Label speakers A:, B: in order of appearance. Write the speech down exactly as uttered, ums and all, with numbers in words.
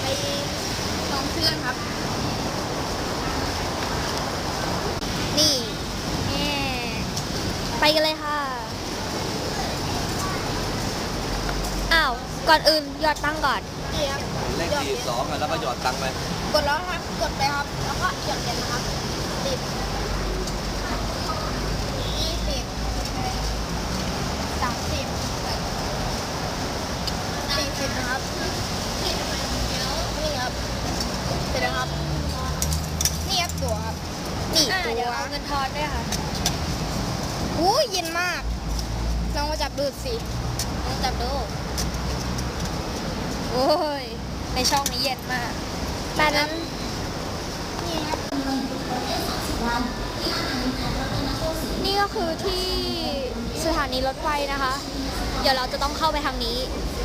A: ลองเชื่อนครับนี่แง่ไปกันเลยค่ะอ้าวก่อนอื่นหยอดตังค์ก่อนนี่ครับ
B: เลขสี่สองอ่ะแล้วก็หยอดตังค์ไป
A: กดแล้วครับกดไปครับแล้วก็หยอดเหรียญนะครับสิบยี่สิบสามสิบสี่สิบนะครับนี่ครับเสร็จแล้วครับนี่ครับตั๋วครับนี่ตั๋วเดี๋ยวเอาเงินทอนด้วยค่ะอู้เย็นมากลองมาจับดูสิลองจับดูโอ้ยในช่องนี้เย็นมากแต่นั้นนี่ครับนี่ก็คือที่สถานีรถไฟนะคะ เดี๋ยวเราจะต้องเข้าไปทางนี้